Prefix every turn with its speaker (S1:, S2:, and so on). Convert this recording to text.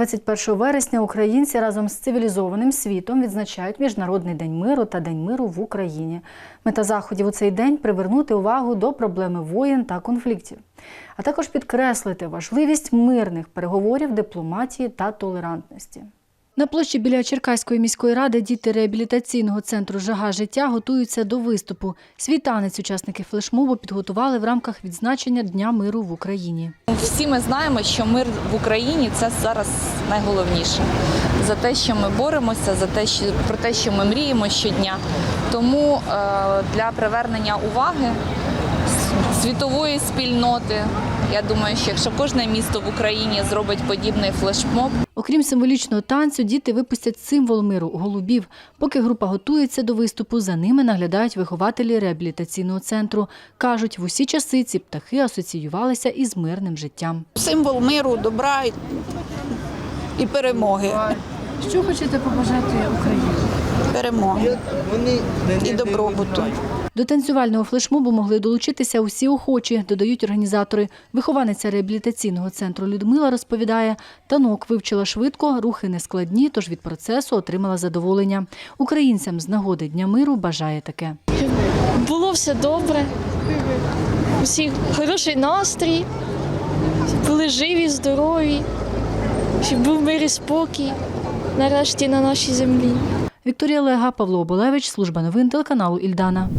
S1: 21 вересня українці разом з цивілізованим світом відзначають Міжнародний день миру та День миру в Україні. Мета заходів у цей день – привернути увагу до проблеми воєн та конфліктів, а також підкреслити важливість мирних переговорів, дипломатії та толерантності. На площі біля Черкаської міської ради діти реабілітаційного центру «Жага життя» готуються до виступу. Свій танець учасники флешмобу підготували в рамках відзначення Дня миру в Україні.
S2: Всі ми знаємо, що мир в Україні – це зараз найголовніше. За те, що ми боремося, про те, що ми мріємо щодня. Тому для привернення уваги світової спільноти, я думаю, що якщо кожне місто в Україні зробить подібний флешмоб.
S1: Окрім символічного танцю, діти випустять символ миру – голубів. Поки група готується до виступу, за ними наглядають вихователі реабілітаційного центру. Кажуть, в усі часи ці птахи асоціювалися із мирним життям.
S3: Символ миру, добра і перемоги.
S1: Що хочете побажати Україні?
S3: Перемоги і добробуту.
S1: До танцювального флешмобу могли долучитися усі охочі, додають організатори. Вихованиця реабілітаційного центру Людмила розповідає, танок вивчила швидко, рухи нескладні, тож від процесу отримала задоволення. Українцям з нагоди Дня миру бажає таке.
S4: Було все добре, усіх хороший настрій, були живі, здорові, щоб був мир і спокій нарешті на нашій землі.
S1: Вікторія Лега, Павло Оболевич, служба новин телеканалу «Ільдана».